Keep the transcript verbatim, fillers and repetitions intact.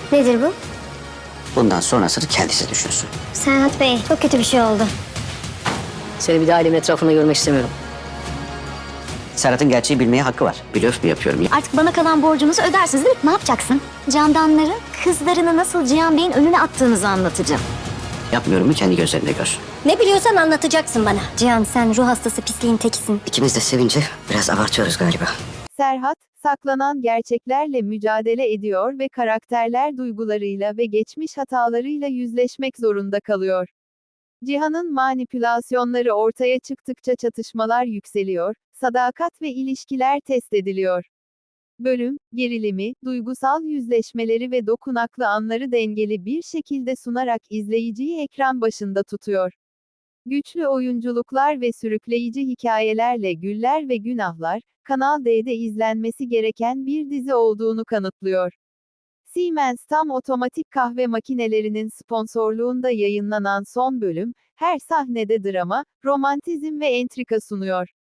Nedir bu? Bundan sonrasını kendisi düşünsün. Serhat Bey, çok kötü bir şey oldu. Seni bir daha ailemin etrafında görmek istemiyorum. Serhat'ın gerçeği bilmeye hakkı var. Blöf mü yapıyorum? Artık bana kalan borcunuzu ödersiniz değil mi? Ne yapacaksın? Candanların kızlarını nasıl Cihan Bey'in önüne attığınızı anlatacağım. Yapmıyorum mu kendi gözlerinde gör. Ne biliyorsan anlatacaksın bana. Cihan, sen ruh hastası pisliğin tekisin. İkimiz de sevince biraz abartıyoruz galiba. Serhat, saklanan gerçeklerle mücadele ediyor ve karakterler duygularıyla ve geçmiş hatalarıyla yüzleşmek zorunda kalıyor. Cihan'ın manipülasyonları ortaya çıktıkça çatışmalar yükseliyor, sadakat ve ilişkiler test ediliyor. Bölüm, gerilimi, duygusal yüzleşmeleri ve dokunaklı anları dengeli bir şekilde sunarak izleyiciyi ekran başında tutuyor. Güçlü oyunculuklar ve sürükleyici hikayelerle Güller ve Günahlar, Kanal D'de izlenmesi gereken bir dizi olduğunu kanıtlıyor. Siemens tam otomatik kahve makinelerinin sponsorluğunda yayınlanan son bölüm, her sahnede drama, romantizm ve entrika sunuyor.